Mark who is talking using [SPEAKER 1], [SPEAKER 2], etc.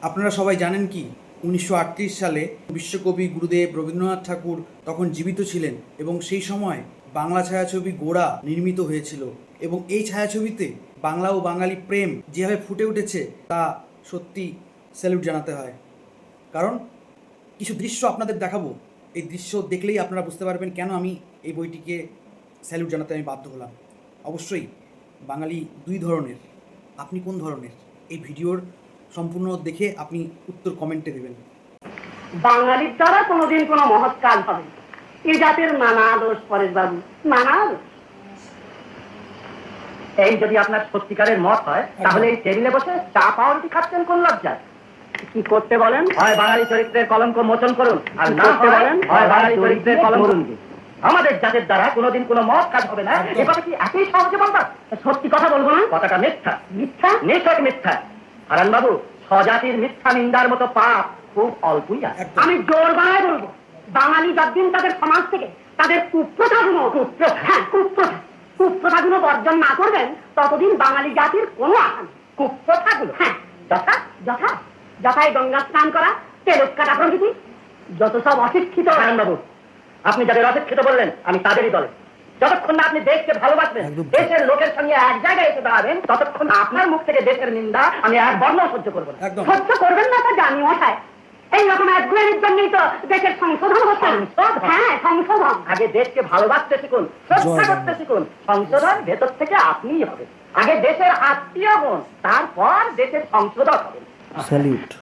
[SPEAKER 1] আপনারা সবাই জানেন কি 1938 সালে বিশ্বকবি গুরুদেব রবীন্দ্রনাথ ঠাকুর তখন জীবিত ছিলেন এবং সেই সময় বাংলা ছায়াছবি গোড়া নির্মিত হয়েছিল এবং এই ছায়াছবিতে বাংলা ও বাঙালি প্রেম যেভাবে ফুটে উঠেছে তা সত্যি স্যালুট জানাতে হয়। কারণ কিছু দৃশ্য আপনাদের দেখাবো, এই দৃশ্য দেখলেই আপনারা বুঝতে পারবেন কেন আমি এই বইটিকে স্যালুট জানাতে আমি বাধ্য হলাম। অবশ্যই বাঙালি দুই ধরনের, আপনি কোন ধরনের? এই ভিডিওর সম্পূর্ণ দেখে আপনি উত্তর কমেন্টে দেবেন।
[SPEAKER 2] বাঙালির দ্বারা কোনোদিন কোনো মহৎ কাজ হবে না। এ জাতের নানা দোষ পরেশ বাবু, নানা দোষ।
[SPEAKER 3] এই যদি আপনার সত্যিকারের মত হয় তাহলে এই টেবিলে বসে চা পাউরুটি খাচ্ছেন কোন লজ্জায়?
[SPEAKER 2] কি করতে বলেন?
[SPEAKER 3] হয় বাঙালি চরিত্রের কলঙ্ক মোচন করুন, আর না
[SPEAKER 2] করতে বলেন?
[SPEAKER 3] হয় বাঙালি চরিত্রের কলঙ্ক করুন। আমাদের জাতের দ্বারা কোনোদিন কোনো মত কাজ হবে না, এভাবে কি এতই সহজে বলবা?
[SPEAKER 2] সত্যি কথা বলবো না।
[SPEAKER 3] কথাটা মিথ্যা,
[SPEAKER 2] মিথ্যা?
[SPEAKER 3] নিশ্চয় মিথ্যা। হারান বাবু, স্বজাতির মিথ্যা নিন্দার মতো পাপ খুব অল্পই আছে।
[SPEAKER 1] একদম।
[SPEAKER 2] আমি জোর গলায় বলবো, বাঙালি যতদিন তাদের সমাজ থেকে তাদের কুপ্রথাগুলো কুপ্রথাগুলো বর্জন না করবেন ততদিন বাঙালি জাতির কোনো আশা নেই।
[SPEAKER 3] কুপ্রথাগুলো?
[SPEAKER 2] হ্যাঁ,
[SPEAKER 3] যথা
[SPEAKER 2] যথা যথায় গঙ্গা স্নান করা, তেলক কাটা প্রভৃতি, যত সব অশিক্ষিত।
[SPEAKER 3] হারান বাবু, আপনি যাদের অশিক্ষিত বললেন আমি তাদেরই দলে। যতক্ষণ না আপনি দেশকে ভালোবাসবেন,
[SPEAKER 1] একদম।
[SPEAKER 3] দেশের লোকের সঙ্গে এক জায়গায় এসে দাঁড়াবেন, ততক্ষণ আপনার মুখ থেকে দেশের নিন্দা আমি এক বর্ণ সহ্য করবো না।
[SPEAKER 1] একদম।
[SPEAKER 2] সহ্য করবেন না তা জানি মশাই। এইরকম একগুয়ের জন্যই তো দেশের সংশোধন হচ্ছে।
[SPEAKER 3] সংশোধন?
[SPEAKER 2] হ্যাঁ, সংশোধন।
[SPEAKER 3] আগে দেশকে ভালোবাসতে শিখুন, শ্রদ্ধা
[SPEAKER 1] জয়
[SPEAKER 3] করতে
[SPEAKER 1] বাংলা।
[SPEAKER 3] শিখুন। সংশোধন ভেতর থেকে আপনিই হবে। আগে দেশের আত্মীয় হন, তারপর দেশের সংশোধক হবেন।
[SPEAKER 1] স্যালুট।